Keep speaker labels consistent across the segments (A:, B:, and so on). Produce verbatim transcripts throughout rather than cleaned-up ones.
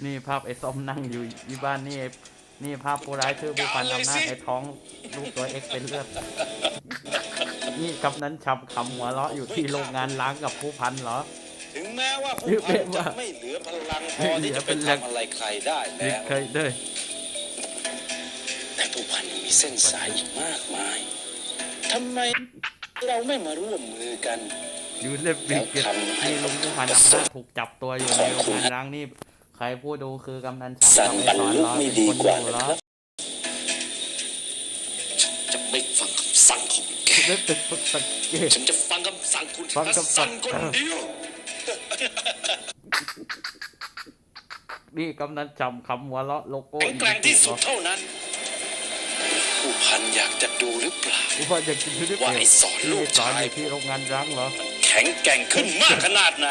A: นี่ภาพไอ้ส้มนั่งอยู่ที่บ้านนี่นี่ภาพผู้ร้ายคือผู้พันอำนาจไอ้ท้องลูกตัวเอ็กเป็นเลือดนี่กำนันฉับขำหัวเราะอยู่ที่โรงงานล้างกับผู้พันเหรอ
B: ถึงแม้ว่าผู้พันจะไม่เหลือพลังพอที่จะเป็นทำอะไรใครได้แล้ว
A: เคยด้วย
B: แต่ผู้พันยังมีเส้นสายอีกมากมายทำไมเราไม่มาร่วมมือกัน
A: ยูเล็บบิกเก็ตนี่ลุงผู้พันอำนาจถูกจับตัวอยู่ในโรงงานล้างนี่ใครผู้ดูคือกำนันฉับ
B: สั่งบรรลุไม่ดีกว่าเหรอจะไม่ฟังคำสั่งของแกฉันจะฟังคำสั่งคุณทัศน์คนเดียว
A: นี่กำนันจำคำหัวเราะโลโก้
B: แข็งแกร่งที่สุดเท่านั้นผู้พันอยากจะดูหรือเปล่า
A: ผู้พันอยากจะดูหรือเปล่าว่าไอ้
B: สอนลูกชาย
A: ที่โรงงานร้างเหรอ
B: แข็งแกร่งขึ้นมากขนาดไหน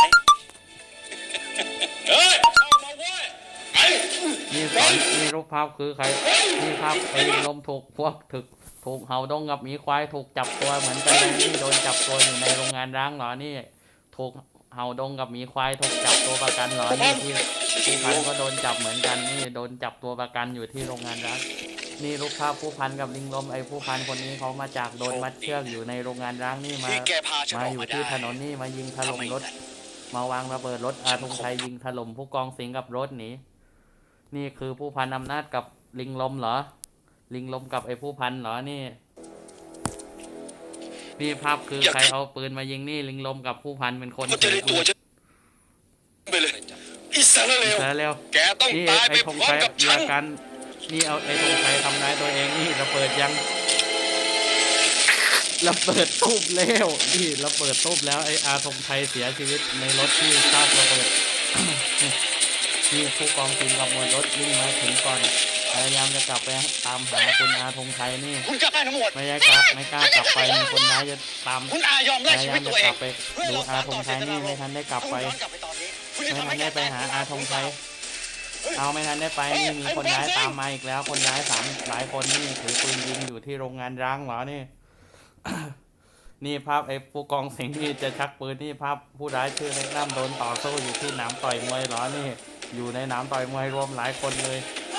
B: เฮ้ยเข้ามาเว้ย
A: นี่สอนนี่รูปภาพคือใครนี่ภาพไอ้ลิงลมถูกพวกถึกถูกเห่าดงกับหมีควายถูกจับตัวเหมือนกันเลยนี่โดนจับตัวอยู่ในโรงงานร้างเหรอนี่ถูกเห่าดงกับหมีควายถูกจับตัวประกันเหรอนี่ที่ผู้พันก็โดนจับเหมือนกันนี่โดนจับตัวประกันอยู่ที่โรงงานร้างนี่รูปภาพผู้พันกับลิงลมไอ้ผู้พันคนนี้เขามาจากโดนมัดเชือกอยู่ในโรงงานร้างนี่มามาอยู่ที่ถนนนี่มายิงถล่มรถมาวางระเบิดรถอาธงชัยยิงถล่มผู้กองสิงห์กับรถหนีนี่คือผู้พันอำนาจกับลิงลมเหรอลิงลมกับไอ้ผู้พันเหรอนี่นี่ภาพคือใครเอาปืนมายิงนี่ลิงลมกับผู้พันเป็นคน
B: ถือปืนไปเลยอิสราเอลแกต้องตายไปพร้อมกับฉัน
A: นี่เอาไอ้ธงชัยทำร้ายตัวเองนี่ระเบิดยังระเบิดตุ้มแล้วนี่ระเบิดตุ้มแล้วไอ้อาธงชัยเสียชีวิตในรถที่คาดระเบิดนี่ผู้กองสิงห์กับมวลรถวิ่งมาถึงก่อนพยายามจะกลับไปตามหาคุณอาธงชัยนี่
B: คุณกล้าทั้งหมด
A: ไม่กล้าไม่กล้ากลับไปมีคนร้ายจะตาม
B: คุณอายอมแลกชีวิตตัวเอง
A: ไปดูอาธงชัยนี่ไม่ทันได้กลับไปไม่ทันได้ไปหาอาธงชัยเอาไม่ทันได้ไปนี่มีคนร้ายตามมาอีกแล้วคนร้ายสามหลายคนนี่ถือปืนยิงอยู่ที่โรงงานร้างเหรอนี่ นี่ภาพไอ้ผู้กองสิงห์ที่จะชักปืนนี่ภาพผู้ร้ายชื่อเล็กน้ำโดนต่อสู้อยู่ที่หนามต่อยมวยเหรอนี่อยู่ในหนามต่อยมวยรวมหลายคนเลย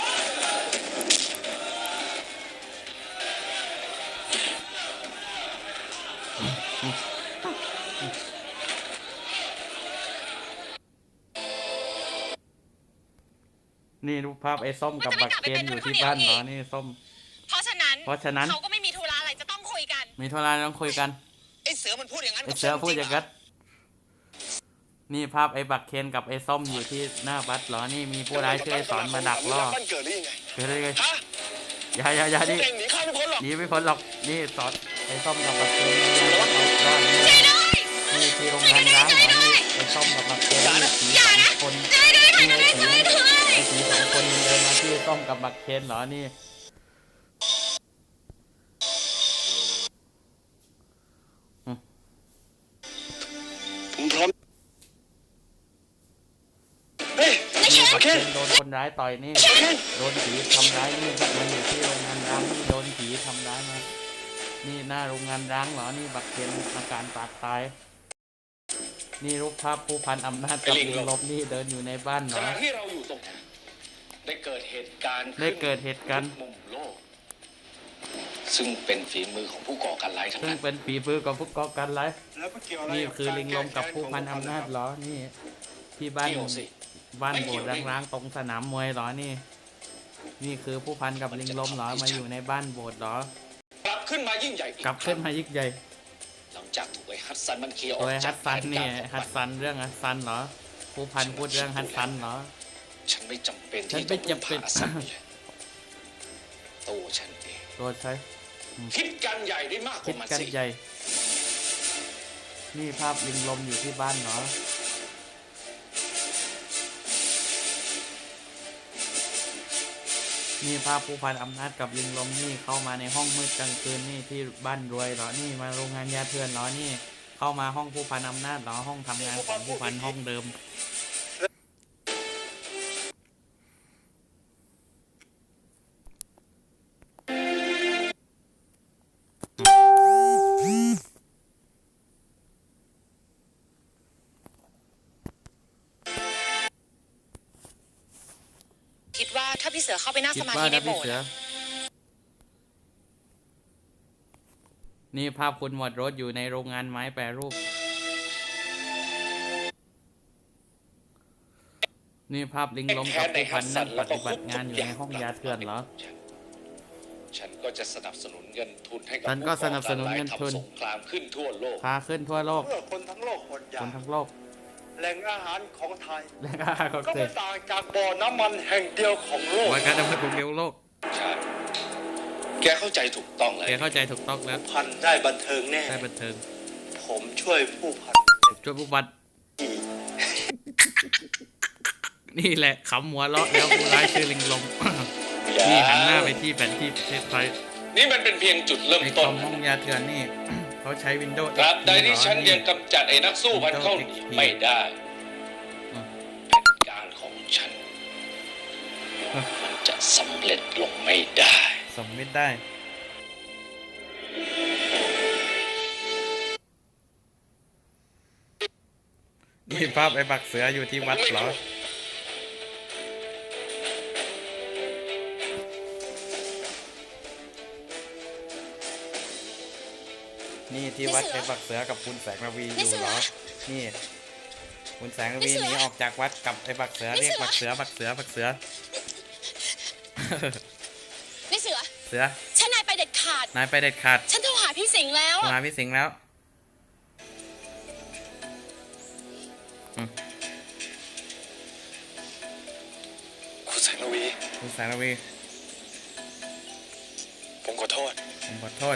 A: นี่รูปภาพไอ้ส้มกับบักเคนอยู่ที่บ้านเหรอนี่ส้ม
C: เพราะฉะนั้น
A: เพราะฉะนั้น
C: เขาก็ไม่มีธุระอะไรจะต้องคุยกัน
A: มีธุระต้องคุยกัน
B: ไอ้เสือมันพูดอย่างนั้น
A: ไอ้เสือพูดอย่างนั้นนี่ภาพไอ้บักเคนกับไอ้ส้มอยู่ที่หน้าบัสเหรอนี่มีผู้ร้ายชื่อไอ้สอนมาดักล่อ
B: มันเกิดได้ยังไง
A: เกิดได้ยังไงอย่าอย่าอย่าดิ
B: หนีข้าไม่พ้นหรอก
A: หนีไม่พ้นหรอกนี่สอนไอ้ส้มกับบักเคนรอดนี่ที่โรงงานร้างเหรอนี่ไอ้ส้มกับบักเคนนี่ผีสองคนนี่ไอ้ผีไอ้ผีสองคนเดินมาที่ส้มกับบักเคนเหรอนี่
B: ผมพร้อม
A: โดนคนร้ายต่อยนี่โดนผีทำร้ายนี่มันอยู่ที่โรงงานร้างนี่โดนผีทำร้ายมานี่หน้าโรงงานร้างเหรอนี่บักเคนอาการปากตายนี่รูปภาพผู้พันอำนาจกับลิงลบนี่เดินอยู่ในบ้านเหรอ
B: ที่เราอยู่ตรงนั้นได้เกิดเหตุการณ์
A: ได้เกิดเหตุการณ์
B: มุมโลกซึ่งเป็นฝีมือของผู้ก่อการร้ายทั้งนั้น
A: ซึ่งเป็นฝีมือของผู้ก่อการร้ายนี่คือลิงลมกับผู้พันอำนาจเหรอนี่ที่บ้านบ้านโบสถ์ร้างๆตรงสนามมวยเหรอนี่นี่คือผู้พันกับลิงลมเหรอมาอยู่ในบ้านโบสถ์เหร
B: อกลับขึ้นมายิ่งใหญ่
A: กลับขึ้นมายิ่งใหญ่
B: หลังจากถูกไอ้ฮัตซันมันเคลียร์ออก
A: จากฮัตซันนี่ฮัตซันเรื่องฮัตซันเหรอผู้พันพูดเรื่องฮัตซันเหรอ
B: ฉันไม่จำเป็น
A: ที่จะพึ่งพาซัน
B: ตัวฉันเอง
A: ตัวใช่
B: คิดกันใหญ่ได้มากกว่ามันสิ
A: นี่ภาพลิงลมอยู่ที่บ้านเหรอนี่ภาพผู้พันอำนาจกับลิงลมนี่เข้ามาในห้องมืดกลางคืนนี่ที่บ้านรวยเหรอนี่มาโรงงานยาเถื่อนเหรอนี่เข้ามาห้องผู้พันอำนาจเหรอห้องทำงานของผู้พันห้องเดิม
C: ถ้าพี่เสือเข้าไปนั่ง
A: คิ
C: ส
A: ด
C: มา
A: ว่า
C: ธิใน
A: นะ
C: โบ
A: พี่
C: สถ์
A: เสือ
C: อะ
A: นี่ภาพคุณหมวดรถอยู่ในโรงงานไม้แปรรูป นี่ภาพลิงลมกับผู้พันนั่งปฏิบัติงานอยู่ในห้องยาเถื่อนเหรอ
B: ฉันก็จะสนับสนุนเงินทุนให้กับ
A: ฉันก็สนับสนุนเงินทุน
B: ทำสงครามขึ้นทั่วโลก
A: พาขึ้นทั่วโลก
D: เมื่อคนทั้งโลกอดอ
A: ค
D: ยาก
A: นทั้งโลก
D: แหล่งอาหารของไทย
A: และก็ก็
D: ก็
A: เส
D: ไม่
A: ร็จ
D: ต่างจากบ่อน้ำมันแห่งเดียวของโลก
A: วันการดำเนินของเดียวโลก
B: ใช่ แกเข้าใจถูกต้องเลย
A: แกเข้าใจถูกต้องแล้ว
D: พันได้บันเทิงแน่
A: ได้บันเทิง
D: ผมช่วยผู้พัน
A: ช่วยผู้บัตรนี่แหละขำหัวเราะแล้วผู้ร้ายชื่อลิงลม นี่หันหน้าไปที่แผนที่ประเทศไทย
B: นี่มันเป็นเพียงจุดเริ่ม
A: ในค
B: ต้
A: อน มห้องยาเถื่อนนี่ เขาใช้วินโดว์
B: ตราบใดที่ฉันยังกำจัดไอ้นักสู้พันเข้าหนีไม่ได้แผนการของฉัน มันจะสำเร็จลงไม่ได้
A: สมมิตได้ นี่ภาพไอ้บักเสืออยู่ที่วัดเหรอ นี่ที่วัดไอ้บักเสือกับคุณแสงระวีอยู่เหรอ นี่ คุณแสงระวีหนีออกจากวัดกับไอ้บักเสือเรียกบักเสือบักเสือบักเสือ
C: นี่เสือ
A: เสือ
C: ฉันนายไปเด็ดขาด
A: นายไปเด็ดขาด
C: ฉันโทรหาพี่สิงห์แล้ว
A: โทร
C: อะ
A: หาพี่สิงห์แล้ว
D: คุณแสงระวี
A: คุณแสงระวี
D: ผมขอโทษ
A: ผมขอโทษ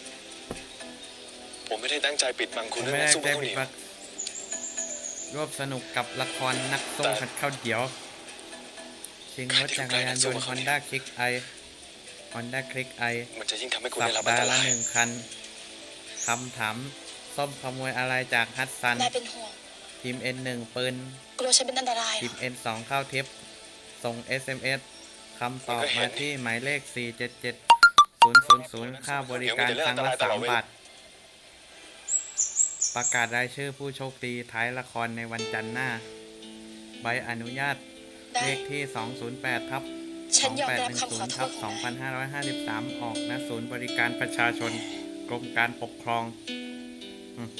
D: ผมไม่ได้ตั้งใจปิดบัง
A: ผ
D: คุณ
A: ม
D: เรื่อง
A: ไม่ได้
D: สู้
A: ได้
D: ข้าว
A: ปิ
D: เห
A: ด
D: นียว
A: บักรวบสนุกกับละครนักสู้ขัดข้าวเดียว ชิงรถจักรยานยนต์ Honda Click i Honda Click i
D: มันจะยิ่งทำให้คุณ
A: สั
D: ได้
A: ป
D: รับอัน
A: ดา
D: ต
A: ห์ละ
D: ราย
A: หนึ่งคันคำถามส้มขโมยอะไรจากฮัตซัน
C: นายเป็นห่วง
A: ทีม เอ็น หนึ่ง ปืน
C: กลัวฉันเป็นอันตรายเหร
A: ทีม
C: อ
A: เอ็น สอง เข้าทิป ส่ง เอส เอ็ม เอส คำตอบมาที่หมายเลข สี่ เจ็ด เจ็ด ศูนย์ ศูนย์ ศูนย์ ค่าบริการครั้งละสามบาท ประกาศรายชื่อผู้โชคดีท้ายละครในวันจันทร์หน้า ใบอนุญาต
C: ได้
A: เลขที่ สองศูนย์แปด ทับ
C: ฉันยอมรับคำขอโท
A: ทั
C: ษ
A: บ
C: ของนาย
A: สองพันห้าร้อยห้าสิบสาม ออกณศูนย์บริการประชาชน กรมการปกครองอืม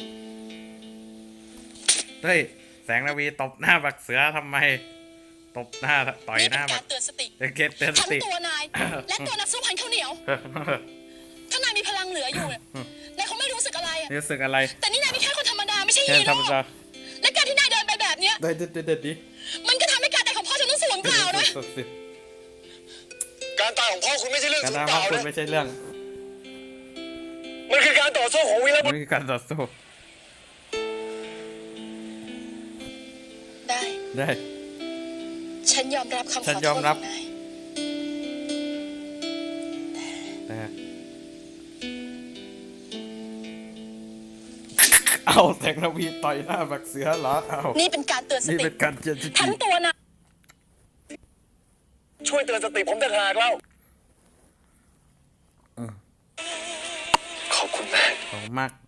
A: เฮ้ย แสงระวีตบหน้าบักเสือทำไม ตบหน้าต่อย
C: นี่
A: ห
C: เป็
A: น้าน บั
C: กาก รเตือนสติ
A: เดี๋ยวเกตเตือนส
C: ทั้ง
A: ติ
C: ตัวนาย และตัวนักสู้พันข้าวเหนียว ถ้านายมีพลังเหลืออยู่เนี่ยนายคงไม่รู้สึกอะไรอะ
A: รู้สึกอะไร
C: แต่นี่นายเป็นแค่คนธรรมดาไม่ใช่
A: แค่
C: ฮีโร่
A: ทำจะ
C: และการที่นายเดินไปแบบเนี้ย
A: ได้เด็ดเด็ดดิ
C: มันก็ทำให้การตายของพ่อฉันต้องสูญเปล่านะ
A: สุดสิ
D: การตายของพ่อคุณไม่ใช่เรื่อง
A: การ
D: สูญ
A: ทำ
D: เป
A: ของ
D: ล่า
A: คุณ
D: นะ
A: ไม่ใช่เรื่อง
D: มันคือการต่อสู้ของวีรบุ
A: มั
D: รุ
A: น
D: ษ
A: คือการต่อสู้
C: ได้
A: ได้
C: ฉันยอมรับคำข
A: ฉั
C: อน โท
A: ยอ
C: ษ
A: ม
C: ข
A: รั
C: อบ งนาย
A: แต่เอาแสงระวีต่อยหน้าบักเสือเหรอเอา
C: นี่เป็นการเตือนส
A: นี่
C: ติ
A: เป็นการเตือนสติ
C: ทั้งตัวนาย
D: ช่วยเตือนสติผมต่างหากแล้ว
A: เออ
D: ขอบคุณมาก
A: ขอบคุณมาก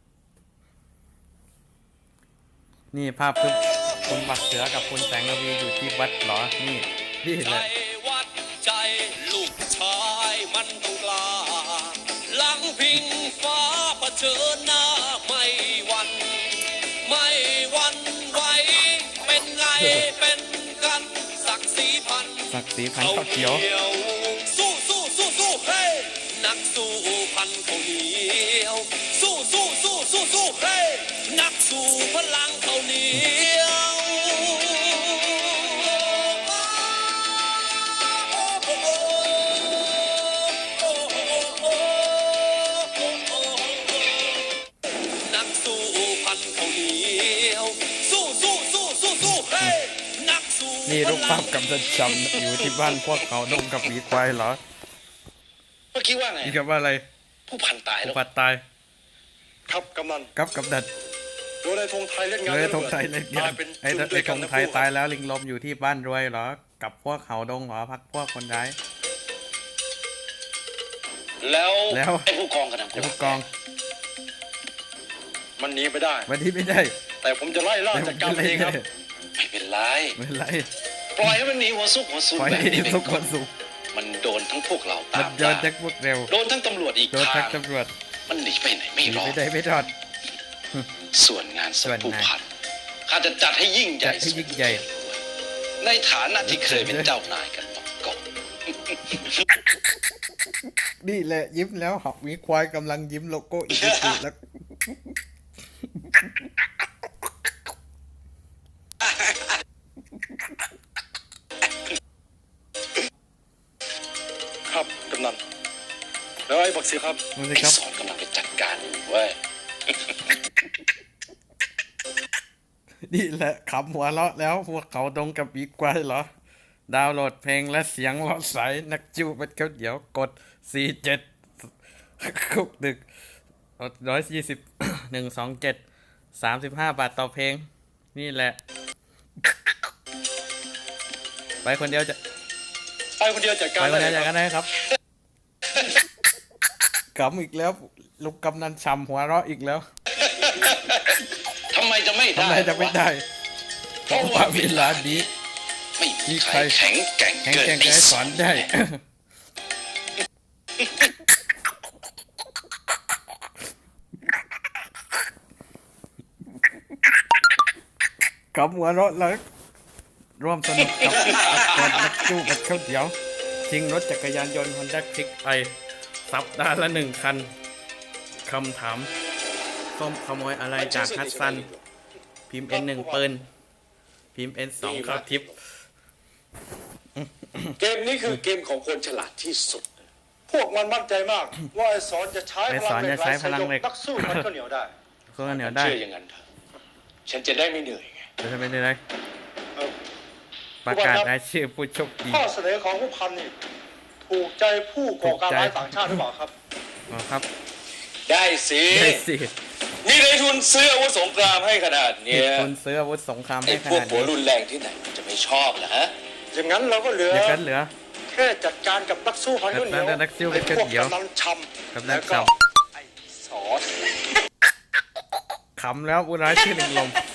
A: นี่ภาพคือคุณบักเสือกับคุณแสงระวีอยู่ที่วัดเหรอ นี่นี่แหละ
B: วัดใจลูกชายมันต้องกล้าหลังพิงฟ้าเผชิญหน้าไม่หวัน ไม่หวันไหวเป็นไงเป็นกันศักดิ์ศรีพัน
A: ศักดิ์ศรีพันธุ์ข้าวเขียว
B: สู้สู้สู้สู้เฮ้ยนักสู้พันเขาเหนียวสู้สู้สู้สู้สู้เฮ้ยนักสู้พลังเขาเหนียว นักสู้พันเขาเหนียวสู้สู้สู้สู้สู้เฮ้ยนักสู้
A: นี่รูปภาพกำจัดจำอยู่ที่บ้านพวกเขาดงกับหมีควายเหรอ
B: เมื่อกี้ว่าไง
A: นี่กับว่าอะไร
B: ผู้พันตาย
A: ผู้
B: แล้ว
A: ปัดตาย
D: ครับกำนัน
A: กับกับดัด
D: โดยในธงไทยเล่นงาน
A: เลยธงไทยเล่นงาน
D: ตายเป็น
A: ไอ้
D: จุดด้
A: ไอ้
D: วย
A: ธ
D: กัน
A: ง
D: นะ
A: ไทย
D: พวก
A: ตายแล้วลิงลมอยู่ที่บ้านรวยเหรอ กับพวกเขาดงเหรอพักพวกคนร้าย
B: แล้ว
A: แล้ว
B: ไอ้ผู้กองกระทำ
A: ไอ้ผู้กอง
D: มันหนีไปได้
A: วันนี้ไม่ได้
D: แต่ผมจะไล่ล่า
A: แต่ผ
D: จัด
A: ม
D: การ
A: จะ
D: เองครับ
B: ไม่เป็นไร
A: ไม่เป็นไร
B: ปล่อยให้มันหนีหัวซุกหัวซุน
A: ปล่อย
B: แบบ
A: ให้
B: นี้ไป
A: ทุกค
B: ก่อน
A: นสุข
B: มันโดนทั้งพวกเรา
A: มั
B: ตาน ม
A: โดน
B: ล่า
A: แจ็คพวกเร็ว
B: โดนทั้งตำรวจอีก
A: โดน
B: ทา
A: ทัก
B: ง
A: ตำรวจ
B: มันหนีไปไหนไม่
A: หนี
B: รอ
A: ไม่
B: ด
A: ได้ไม่รอด
B: ส่วนงานศ
A: ส่
B: พ
A: วน
B: ผู้
A: งาน
B: พันข้าจะจัดให้ยิ่งใหญ่
A: จัดให้ยิ่งใหญ่
B: ในฐานะที่เคยเป็นเจ้านายกันมาก่อน
A: นี่แหละยิ้มแล้วหอกมีควายกำลังยิ้มโลโก้อีกทีแล้ว
D: ครับกำนันแล้วไอ้บักเสียครับ
A: ดูสิ
B: ไอ้
A: ครับ
B: สอนกำลังไปจัดการอยู่เว้ย
A: นี่แหละขำหัวเราะแล้วพวกเขาดงกับอีควายเหรอ ดาวน์โหลดเพลงและเสียงเลาะใสนักจูเป็นเขาเดี๋ยวกดสี่เจ็ดคุกดึกร้อยยี่สิบหนึ่งสองเจ็ดสามสิบห้าบาทต่อเพลง นี่แหละ ไปคนเดียวจะ
D: ไปคนเดียวจัดการ
A: ไปคนเดียว
D: ได้
A: จะ
D: ค
A: กั
D: รับ
A: นได้ครับขำอีกแล้วลูกกำนันช้ำหัวเราะอีกแล้ว
B: ทำไมจะไม่ได้
A: ทำไมจะไม่ได้เพราะว่าเวลานี้
B: ไม่มีใครแข็งแกร่ง
A: แข่ง
B: เกิน
A: แข่ง
B: ไอ้
A: ให้
B: ส
A: ส
B: อ
A: อน นได้ กับหัวเราะแล้วร่วมสนุกกับคนนักจู้กับข้าวเดียวชิงรถจักรยานยนต์ Honda Click ไปสัปดาห์ละหนึ่งคันคำถามส้มขโมยอะไรจากฮัสซัน พิมพ์ N หนึ่งปืนพิมพ์ N สองเข้าทิป
D: เกมนี้คือเกมของคนฉลาดที่สุด พวกมันมั่นใจมาก ว่าไอ้สอนจะใช้
A: ไอ้
D: พ
A: ส
D: ลั
A: อง น
D: เหล็
A: จะ
D: ก
A: ใช้
D: ไหล
A: พลังเหล็ก
D: นักสู้มันก็เหนียวได้
A: ก็เหนียวได้
B: เชื่ออย่างนั้นเถอะฉันจะได้ไม่เหนื่อยไง
A: จะทำเป็นอะไร
D: เออ
A: ประกาศรายชื่อผู้โชคดี
D: ข้อเสนอของผู้พันนี่ถูกใจผู้ก่อการร้ายต่างชาติหรือเปล่าครับ
A: อ๋อครับ
B: ได้สิ
A: ได้สิ
B: มีในทุนซื้ออาวุธสงครามให้ขนาด
A: มี
B: เนี้ย
A: คนซื้ออาวุธสงคราม
B: ไอ้
A: ให้ข
B: พวก
A: นาด
B: หัว
A: นี้
B: รุนแรงที่ไหนมันจะไม่ชอบล่ะฮะ
D: อย่างนั้นเราก็เหลือ
A: เดี๋ยวกันเหลือ
D: แค่จัดการกับนักสู้พันก็เหนียว
A: นักสู้พันก็เหนียว
D: ไอ้พวกกำนันช
A: กำ
D: ำ
A: นัน
D: แล้วก็
A: ชำ
D: ไอ้สอน
A: ขำแล้วอุร้ายชื่อหนึ่งลม